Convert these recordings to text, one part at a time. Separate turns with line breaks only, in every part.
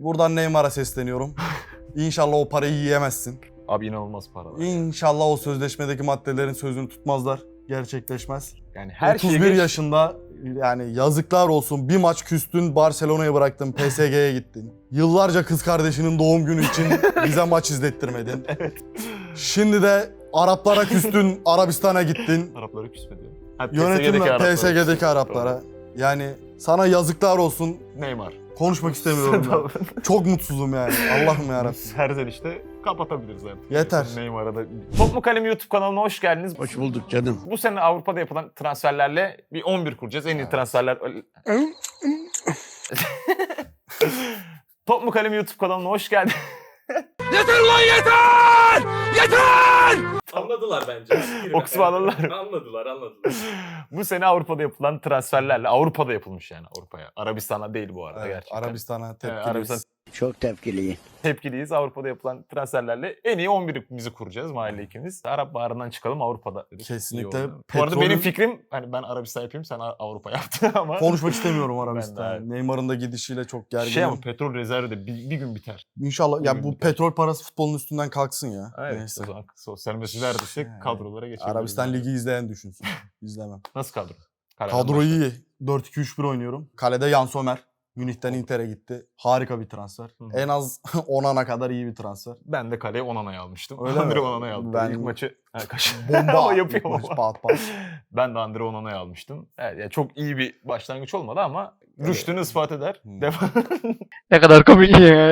Buradan Neymar'a sesleniyorum. İnşallah o parayı yiyemezsin.
Abi inanılmaz paralar.
İnşallah o sözleşmedeki maddelerin sözünü tutmazlar. Gerçekleşmez.
Yani her
31
şey
yaşında yani yazıklar olsun. Bir maç küstün, Barcelona'ya bıraktın, PSG'ye gittin. Yıllarca kız kardeşinin doğum günü için bize maç izlettirmedin.
Evet.
Şimdi de Araplara küstün, Arabistan'a gittin.
Arapları küsmedi. Ha,
Yönetimle
PSG'deki
PSG'deki Araplara. Yani sana yazıklar olsun.
Neymar.
Konuşmak istemiyorum ya. Çok mutsuzum yani. Allah'ım yarabbim.
Serzenişte kapatabiliriz artık.
Yeter.
Neymar'a da. Top mu Kalem YouTube kanalına hoş geldiniz.
Hoş bulduk canım.
Bu sene Avrupa'da yapılan transferlerle bir 11 kuracağız. En iyi transferler... Top mu Kalem YouTube kanalına hoş geldin.
Yeter lan yeter! Yeter!
Anladılar bence.
O kısmı anladılar.
Anladılar.
Bu sene Avrupa'da yapılan transferlerle, Avrupa'da yapılmış yani Avrupa'ya. Arabistan'a değil bu arada
Evet,
gerçekten.
Arabistan'a tepkiliyiz.
Arabistan
Çok tepkiliyim.
tepkiliyiz. Avrupa'da yapılan transferlerle en iyi 11'imizi kuracağız mahalle ikimiz. Arap Baharı'ndan çıkalım Avrupa'da dedik.
Kesinlikle.
İyi oldu. Bu arada
Petrolün-
benim fikrim hani ben Arabistan yapayım sen Avrupa yaptın ama.
Konuşmak istemiyorum
Ben de
Arabistan'a.
abi.
Neymar'ın da gidişiyle çok gerginim.
Şey ama petrol rezervi de bir gün biter.
İnşallah ya bu
Bugün-
petrol parası futbolun üstünden kalksın ya.
Evet,
Neyse.
o zaman sosyal mesajlar düşecek kadrolara geçebiliriz.
Arabistan Ligi izleyen düşünsün. İzlemem.
Nasıl kadro?
Kadro iyi. 4-2-3-1 oynuyorum. Kalede Jan Sommer. Münih'ten Inter'e gitti. Harika bir transfer.
Hı.
En az Onana kadar iyi bir transfer.
Ben de kaleye Onana'yı almıştım.
Öyle mi?
Andre Onana'yı aldım.
Ben-
İlk maçı
Bomba.
Ama
ilk
yapıyor
maç,
ama.
pat pat.
Ben de Andre Onana'yı almıştım. Evet, yani çok iyi bir başlangıç olmadı ama rüştünü ispat eder.
Hmm.
Ne kadar komik.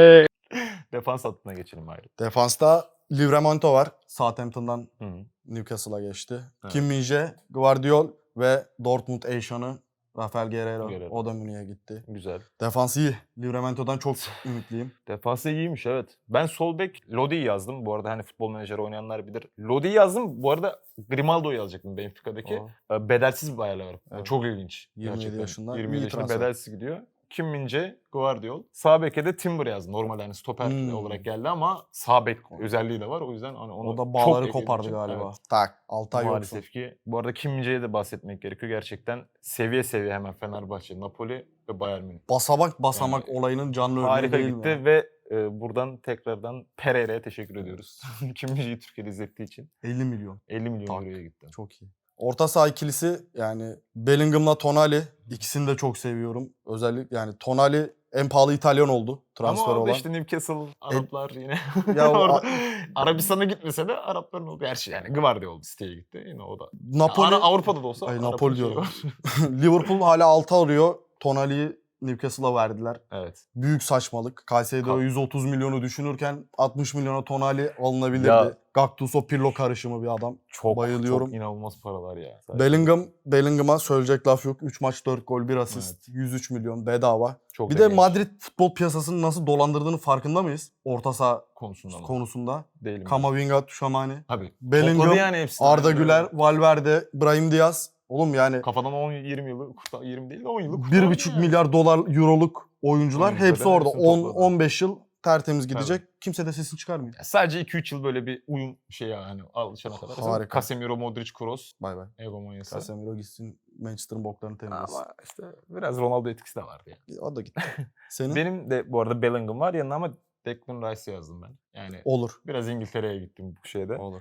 Defans hattına geçelim ayrı.
Defansta Livramento var. Southampton'dan
Hı.
Newcastle'a geçti.
Evet.
Kim Min-jae, Gvardiol ve Dortmund Eşan'ı Rafael Guerreiro.
Guerreiro.
O da Münih'e gitti.
Güzel.
Defans iyi. Livramento'dan çok ümitliyim.
Defansı iyiymiş evet. Ben sol bek Lodi'yi yazdım. Bu arada hani futbol menajeri oynayanlar bilir. Lodi'yi yazdım. Bu arada Grimaldo'yu yazacaktım Benfica'daki. Bedelsiz bir ayarla var.
Evet.
Çok ilginç.
27
gerçekten.
yaşında
27
iyi
yaşında
transfer.
bedelsiz gidiyor. Kim Min-jae, Gvardiol. Sağ beke de Timber yazdım. Normal yani stoper
Hmm.
olarak geldi ama sağ bek özelliği de var. O yüzden hani onu
O da
çok
bağları
eklediğim
kopardı
için,
galiba.
evet.
Tak. 6 ay yoksun.
Maalesef ki. Bu arada Kim Min-jae'ye de bahsetmek gerekiyor. Gerçekten seviye seviye hemen Fenerbahçe, Napoli ve Bayern Münih.
Basamak olayının canlı örneği
Harika
değil
gitti
mi?
ve buradan tekrardan Pereira'ya teşekkür ediyoruz. Kim Min-jae'yi Türkiye'de izlettiği için
50 milyon.
50 milyon
Tak.
euroya gitti.
Çok iyi. Orta saha ikilisi yani Bellingham'la Tonali ikisini de çok seviyorum. Özellikle yani Tonali en pahalı İtalyan oldu transfer
Ama orada
olan.
işte Newcastle, Araplar yine.
Ya o-
orada Arabistan'a gitmese de Arapların olduğu her şey yani. Gvardiol City'ye gitti yine o da.
Napoli
Avrupa'da da olsa.
Ay,
Arap'ın
Napoli
şeyi
diyorum.
var.
Liverpool hala 6 arıyor. Tonali'yi Newcastle'a verdiler.
Evet.
Büyük saçmalık. Kayseri'de o 130 milyonu düşünürken 60 milyona Tonali alınabilirdi.
Ya-
Gattuso Pirlo karışımı bir adam.
Çok
Bayılıyorum.
Çok inanılmaz paralar ya.
Bellingham'a söyleyecek laf yok. 3 maç 4 gol 1 asist. 103 milyon bedava.
Çok
Bir
da
de
genç
Madrid futbol piyasasını nasıl dolandırdığını farkında mıyız? Orta saha
konusunda mı?
konusunda.
Değilim.
Kamavinga, Tchouameni,
Abi.
Bellingham,
Topladı yani hepsini.
Arda
Yani
Güler, Valverde, Brahim Diaz. Oğlum yani
kafadan 10-20 yılı, 20 değil de 10 yıllık kurtardı
1,5
yani.
milyar dolar euroluk oyuncular
Oyuncuların
hepsi orada.
hepsini topladı.
10-15 yıl tertemiz gidecek. Kimse de sesini çıkarmıyor.
Ya sadece 2-3 yıl böyle bir uyum şey yani alışana kadar.
Harika.
Casemiro, Modric, Kroos,
Bay bay.
egomanyası.
Casemiro gitsin Manchester'ın boklarını temizlesin.
Ama işte biraz Ronaldo etkisi de vardı yani.
O da gitti. Senin?
Benim de bu arada Bellingham var yanına ama Declan Rice yazdım ben. Yani
Olur.
biraz İngiltere'ye gittim bu şeyde.
Olur.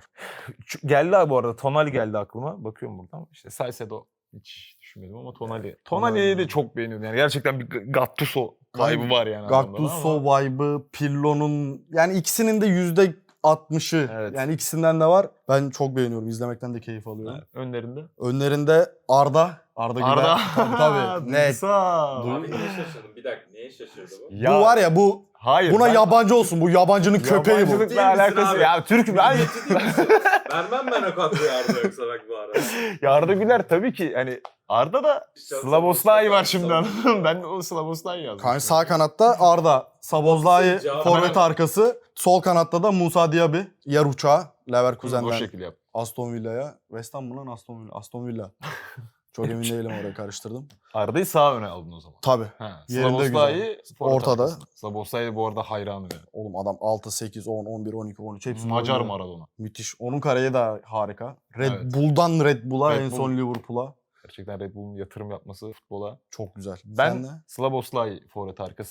Geldi abi bu arada Tonali geldi aklıma. Bakıyorum buradan. İşte Salcedo hiç düşünmedim ama Tonali. Tonali'yi de çok beğeniyordum. Yani gerçekten bir Gattuso vibe'ı var yani. adamda
Gattuso
ama-
vibe'ı, Pirlo'nun yani ikisinin de %60'ı
Evet.
yani ikisinden de var. Ben çok beğeniyorum. İzlemekten de keyif alıyorum.
Evet, önlerinde.
Önlerinde Arda Güler.
Arda.
Tabii. Net.
Duygusal.
Abi niye şaşırdın? Bir dakika niye şaşırdı bu?
Ya,
Bu var ya bu
hayır,
buna
ben-
yabancı olsun. Bu yabancının köpeği bu.
Yabancılıkla
Değil misin
alakası.
abi?
Ya Türk ben.
Vermem ben o kadroyu Arda yoksa bak bu arada.
Ya Arda Güler tabii ki hani Arda da Slavoslay var şimdi anladın mı? Ben o Slavoslay yazdım.
Kanka sağ kanatta Arda, Sabozlay
Cevap-
forvet arkası. Sol kanatta da Musa Diaby, yer uçağı
o
Leverkusen'den
şekilde yap.
Aston Villa'ya. West Ham mı lan Aston Villa? Aston Villa. Çok emin değilim oraya karıştırdım.
Arda'yı sağ öne aldın o zaman.
Tabii.
Ha,
Yerinde
Slavoslay
Ortada.
Slavoslay bu arada hayranım yani.
Oğlum adam 6, 8, 10, 11, 12, 13 hepsini
Macar
oynuyor.
Maradona.
Müthiş. Onun kariyi de harika. Red
Evet.
Bull'dan Red Bull'a
Red
en
Bull.
son Liverpool'a.
Gerçekten Red Bull'un yatırım yapması futbola.
Çok güzel.
Ben
Sen de?
Slavoslay forvet arkası.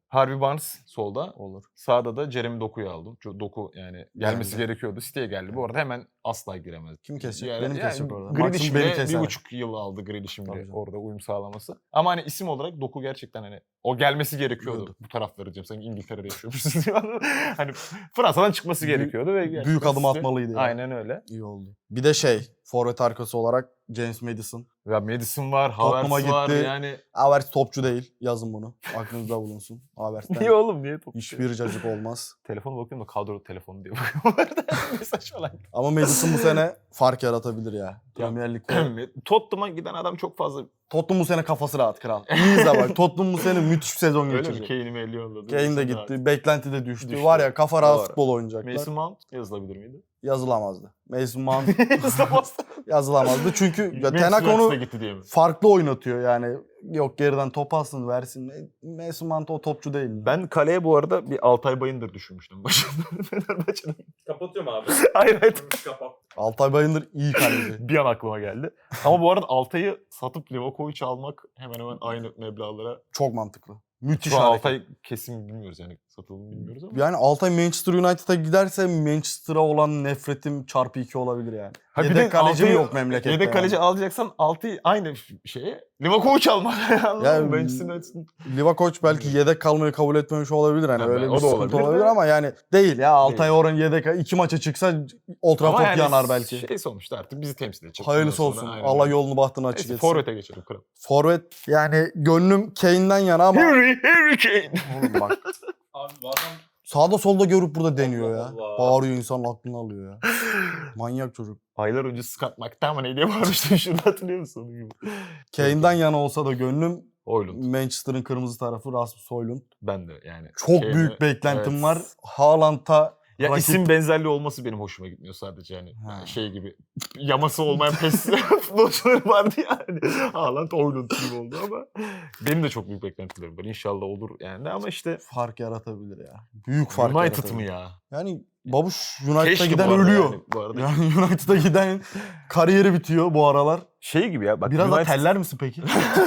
Harvey Barnes solda.
Olur.
Sağda da Jeremy Doku'yu aldım. Doku yani gelmesi
Geldi.
gerekiyordu. City'ye geldi. Bu arada hemen asla giremez.
Kim kesecek?
Yani,
Benim kesecek orada.
Grealish
Maksimum beni
bile
keser.
1,5 yıl aldı Grealish'in
Tabii
bile
canım.
orada uyum sağlaması. Ama hani isim olarak Doku gerçekten hani o gelmesi gerekiyordu.
Diyordu.
Bu tarafları diyeceğim. Sanki İngiltere'de yaşıyormuşsun diyor. Hani Fransa'dan çıkması gerekiyordu ve gerçekten
Büyük adım
City-
atmalıydı ya.
Aynen öyle.
İyi oldu. Bir de forvet arkası olarak James Maddison.
Ya Madison var,
Tottenham'a
Havertz var
gitti.
yani.
Havertz topçu değil. Yazın bunu. Aklınızda bulunsun. Havertz'ten
Niye oğlum niye top?
hiçbir cacık olmaz.
Telefona bakıyorum da kadro telefonu diye bakıyorum. Mesaj falan.
Ama Maddison bu sene fark yaratabilir ya. Premier Lig'de.
Tottenham'a giden adam çok fazla.
Tottenham bu sene kafası rahat kral. İyi izle bak. Tottenham bu sene müthiş bir sezon
Öyle mi?
geçirecek.
Kane'i mi 50 yolladı?
Kane de
Mason
gitti. Beklenti de düştü.
Düştü.
Var ya kafa rahat
Doğru.
futbol oynayacaklar.
Mason Mount yazılabilir miydi?
Yazılamazdı. Mason Mount
Yazılamaz.
yazılamazdı. Çünkü ya
Manchester
Tenak
United'a
onu
gitti diye mi?
farklı oynatıyor yani. Yok geriden top alsın versin. Mason Mount o topçu değil.
Ben kaleye bu arada bir Altay Bayındır düşünmüştüm başında. Fenerbahçe'den.
Kapatıyorum abi.
Hayır hayır.
Kapat.
Altay Bayındır iyi kaleci.
Bir an aklıma geldi. Ama bu arada Altay'ı satıp Livakovic'i almak hemen hemen aynı meblağlara.
Çok mantıklı. Müthiş
Şu an
hareket.
Altay kesin bilmiyoruz yani satıldı mı bilmiyoruz ama.
Yani Altay Manchester United'a giderse Manchester'a olan nefretim çarpı 2 olabilir yani.
Ha bir de
Yedek kaleci mi
Altay'ı-
yok memlekette?
Yedek kaleci
yani?
alacaksan Altay'ı aynı şeye Livakovic almak. Anladın
Ya,
mı? Manchester United'ın
Livakovic belki yedek kalmayı kabul etmemiş olabilir. Hani
Ha,
öyle
o
bir
da
sıkıntı
olabilir
olabilir,
de.
ama yani değil ya. Altay
Değil.
oran yedek 2 maça çıksa Old
ama
Trafford
yani
yanar belki.
şey sonuçta artık bizi temsil edecek.
Hayırlısı
Bundan sonra
olsun.
aynen
Allah
öyle.
yolunu bahtını açık
Neyse
etsin.
forvete geçelim kral.
Forvet yani gönlüm Kane'den yana ama
Harry Kane.
oğlum bak
Abi bu adam
sağda solda görüp burada deniyor ya.
Allah Allah.
Bağırıyor, insanın aklını alıyor ya. Manyak çocuk.
Aylar önce Scott McTominay diye bağırmıştım şurada hatırlıyor musun? Onun gibi.
Kane'den yana olsa da gönlüm
Oylund.
Manchester'ın kırmızı tarafı Rasmus Højlund.
Ben de yani.
Çok
Kane'e-
büyük beklentim
evet.
var. Haaland'a
Ya
rakip-
isim benzerliği olması benim hoşuma gitmiyor sadece yani.
Ha.
Şey gibi yaması olmayan pes futbolcuları vardı yani. Haaland Oylund gibi oldu ama benim de çok büyük beklentilerim var. İnşallah olur yani ama işte
fark yaratabilir ya. Büyük fark
United
yaratabilir.
mı ya?
Yani Babuş United'a
Keşke
giden
bu arada
ölüyor.
yani, bu arada.
Yani United'a giden kariyeri bitiyor bu aralar.
Şey gibi ya bak
Biraz da
United-
teller misin peki?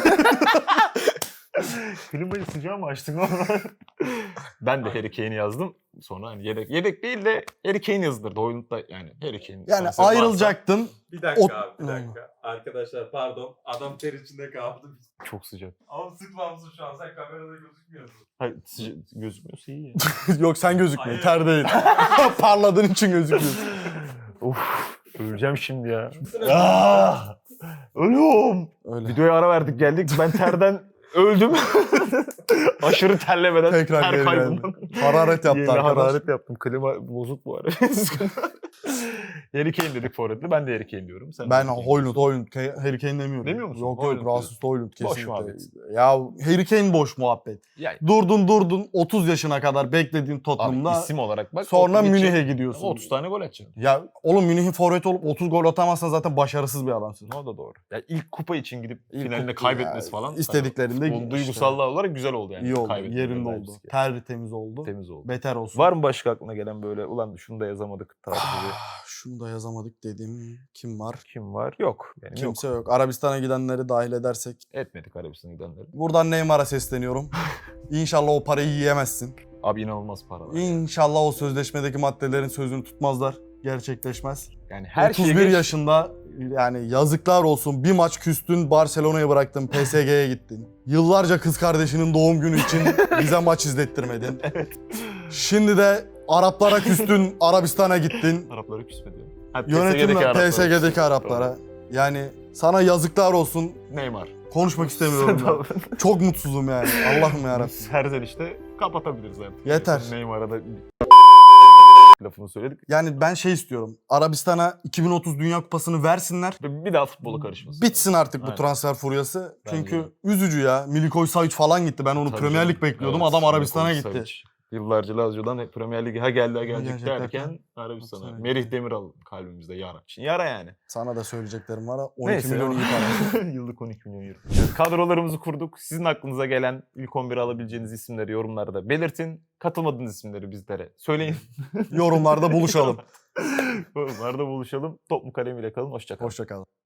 Klimayı sıcağı mı açtın ama? Ben de Harry Kane'i yazdım. Sonra hani yedek değil de Harry Kane yazılırdı. Oyunda yani Harry Kane.
Yani
transferi varsa-
ayrılacaktın.
bir dakika
O-
abi bir dakika. Arkadaşlar pardon. Adam ter içinde kaldı.
Çok sıcak.
Ama sıkmamışsın şu an. Sen kamerada gözükmüyorsun.
Hayır sıcak gözükmüyorsa iyi ya.
Yok sen gözükmüyor.
Hayır.
Ter değil. Parladığın için gözüküyorsun.
Of öleceğim şimdi ya.
Sıra-
Ah! Ölüyorum.
Öyle.
Videoya ara verdik geldik. Ben terden öldüm. Aşırı terlemeden
Tekrar
ter
geri
kaybından.
geldi. Hararet yaptı
Yeni
arkadaş.
hararet yaptım. Klima bozuk bu ara. Harry Kane dedik forvetle. Ben de Harry Kane diyorum. Sen de
Ben
Harry Kane
Højlund, Harry Kane demiyorum.
Demiyor musun?
Yok
Højlund
yok, Rasmus Højlund kesinlikle.
muhabbet.
Ya Harry Kane boş muhabbet.
Yani,
Durdun 30 yaşına kadar beklediğin
abi
Tottenham'da
isim olarak bak.
sonra
32
Münih'e gidiyorsun.
30 tane gol atacaksın.
Ya oğlum Münih'in forveti olup 30 gol atamazsan zaten başarısız bir adamsın.
O da doğru. Ya ilk kupa için gidip
İlk
finalinde
kupa
kaybetmesi
ya,
falan.
istediklerinde
Hani,
işte.
duygusallığı olarak güzel oldu yani.
İyi oldu.
Kaybetmeleri
Yerinde
belki.
oldu. Tertemiz oldu.
Temiz oldu.
Beter olsun.
Var mı başka aklına gelen böyle ulan şunu da yazamadık tarzı bir
Şunu da yazamadık dediğim kim var?
kim var? Yok. Benim
Kimse
yok.
yok. Arabistan'a gidenleri dahil edersek.
Etmedik Arabistan'a gidenleri.
Buradan Neymar'a sesleniyorum. İnşallah o parayı yiyemezsin.
Abi inanılmaz para var.
İnşallah o sözleşmedeki maddelerin sözünü tutmazlar. Gerçekleşmez.
Yani her
31
şey
yaşında yani yazıklar olsun. Bir maç küstün, Barcelona'ya bıraktın, PSG'ye gittin. Yıllarca kız kardeşinin doğum günü için bize maç izlettirmedin.
Evet.
Şimdi de Araplara küstün, Arabistan'a gittin.
Araplara küsmedi. Ha,
Yönetimle
Araplara
PSG'deki
küsmedi.
Araplara. Yani sana yazıklar olsun.
Neymar.
Konuşmak istemiyorum ya. Çok mutsuzum yani. Allah'ım yarabbim.
Serzen işte kapatabiliriz artık.
Yeter.
Neymar'a da lafını söyledik.
Yani ben şey istiyorum. Arabistan'a 2030 Dünya Kupası'nı versinler.
Ve bir daha futbola karışmasın.
Bitsin artık bu
Aynen.
transfer furyası.
Bence
Çünkü
de.
üzücü ya. Milikovic Savic falan gitti. Ben onu
Tabii
Premier
canım.
Lig bekliyordum.
Evet,
Adam Arabistan'a
Milinkovic
gitti.
Savic. Yıllarca Lazio'dan hep Premier Lig'e ha geldi ha gelecek
gelecek
derken
derken
Arabistan'a.
Arabistan'a
Merih Demiral kalbimizde yara. Şimdi yara yani.
Sana da söyleyeceklerim var. 12
Neyse.
milyon iyi para.
Yıllık 12 milyon euro. Evet, kadrolarımızı kurduk. Sizin aklınıza gelen ilk 11'e alabileceğiniz isimleri yorumlarda belirtin. Katılmadığınız isimleri bizlere söyleyin.
Yorumlarda buluşalım.
Yorumlarda buluşalım. Top mu kalem ile kalın. Hoşça kalın.
Hoşça kalın.